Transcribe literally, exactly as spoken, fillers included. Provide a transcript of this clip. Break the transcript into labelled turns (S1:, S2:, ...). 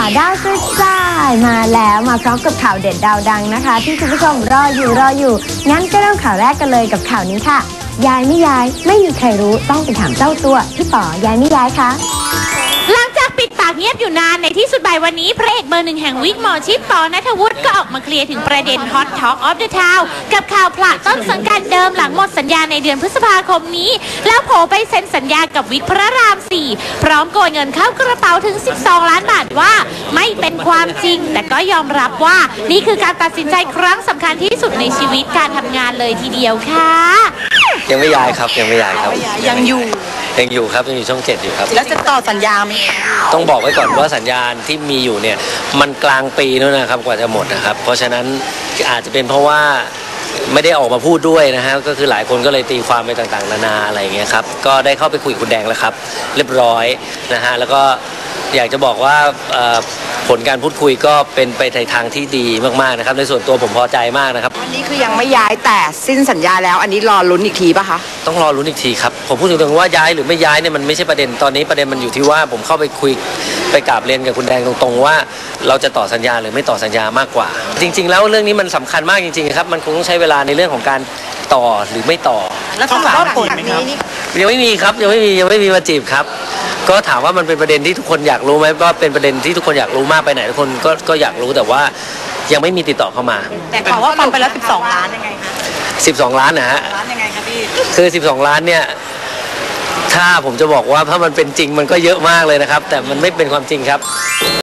S1: ดาวกระจายมาแล้วมาพร้อมกับข่าวเด็ดดาวดังนะคะที่คุณผู้ชมรออยู่รออยู่งั้นก็เริ่มข่าวแรกกันเลยกับข่าวนี้ค่ะยายไม่ย้ายไม่มีใครรู้ต้องไปถามเจ้าตัวพี่ป๋อยายไม่ย้ายคะ
S2: หลังจากปิดปากเงียบอยู่นานในที่สุดบ่ายวันนี้พระเอกเบอร์หนึ่งแห่งวิกหมอชิปปอณัฐวุฒิก็ออกมาเคลียร์ถึงประเด็น Hot Talk of the Town กับข่าวผละต้นสังกัดเดิมหลังหมดสัญญาในเดือนพฤษภาคมนี้แล้วโผไปเซ็นสัญญากับวิกพระรามสี่พร้อมโกยเงินเข้ากระเป๋าถึงสิบสองล้านบาทว่าไม่เป็นความจริงแต่ก็ยอมรับว่านี่คือการตัดสินใจครั้งสำคัญที่สุดในชีวิตการทำงานเลยทีเดียวค่ะ
S3: ยังไม่ย้ายครับยังไม่ย้ายครับ
S4: ยังอยู่
S3: ยังอยู่ครับยังอยู่ช่องเจ็ดอยู่ครับ
S4: แล้วจะต่อสัญญาไหม
S3: ต้องบอกไว้ก่อนว่าสัญญาณที่มีอยู่เนี่ยมันกลางปีแล้วนะครับกว่าจะหมดนะครับเพราะฉะนั้นอาจจะเป็นเพราะว่าไม่ได้ออกมาพูดด้วยนะฮะก็คือหลายคนก็เลยตีความไปต่างๆนานาอะไรอย่างเงี้ยครับก็ได้เข้าไปคุยกับคุณแดงแล้วครับเรียบร้อยนะฮะแล้วก็อยากจะบอกว่าผลการพูดคุยก็เป็นไปในทางที่ดีมากๆนะครับในส่วนตัวผมพอใจมากนะครับ
S4: อันนี้คือยังไม่ย้ายแต่สิ้นสัญญาแล้วอันนี้รอลุ้นอีกทีป่ะคะ
S3: ต้องรอลุ้นอีกทีครับผมพูดตรงๆว่าย้ายหรือไม่ย้ายเนี่ยมันไม่ใช่ประเด็นตอนนี้ประเด็นมันอยู่ที่ว่าผมเข้าไปคุยไปกราบเรียนกับคุณแดงตรงๆว่าเราจะต่อสัญญาหรือไม่ต่อสัญญามากกว่าจริงๆแล้วเรื่องนี้มันสำคัญมากจริงๆครับมันคงต้องใช้เวลาในเรื่องของการต่อหรือไม่ต่อ
S4: แล้วต้องรอบผลไหมครับ
S3: ยังไม่มีครับยังไม่มียังไม่มีมาจีบครับก็ถามว่ามันเป็นประเด็นที่ทุกคนอยากรู้ไหมก็เป็นประเด็นที่ทุกคนอยากรู้มากไปไหนทุกคนก็ก็อยากรู้แต่ว่ายังไม่มีติดต่อเข้ามา
S4: แต่ข่าวว่าปั๊มไปแล้วสิบสองล้านยังไงคะ
S3: สิบสองล้านนะฮะ
S4: ล้านยังไงคะพี่
S3: คือสิบสองล้านเนี่ยถ้าผมจะบอกว่าถ้ามันเป็นจริงมันก็เยอะมากเลยนะครับแต่มันไม่เป็นความจริงครับ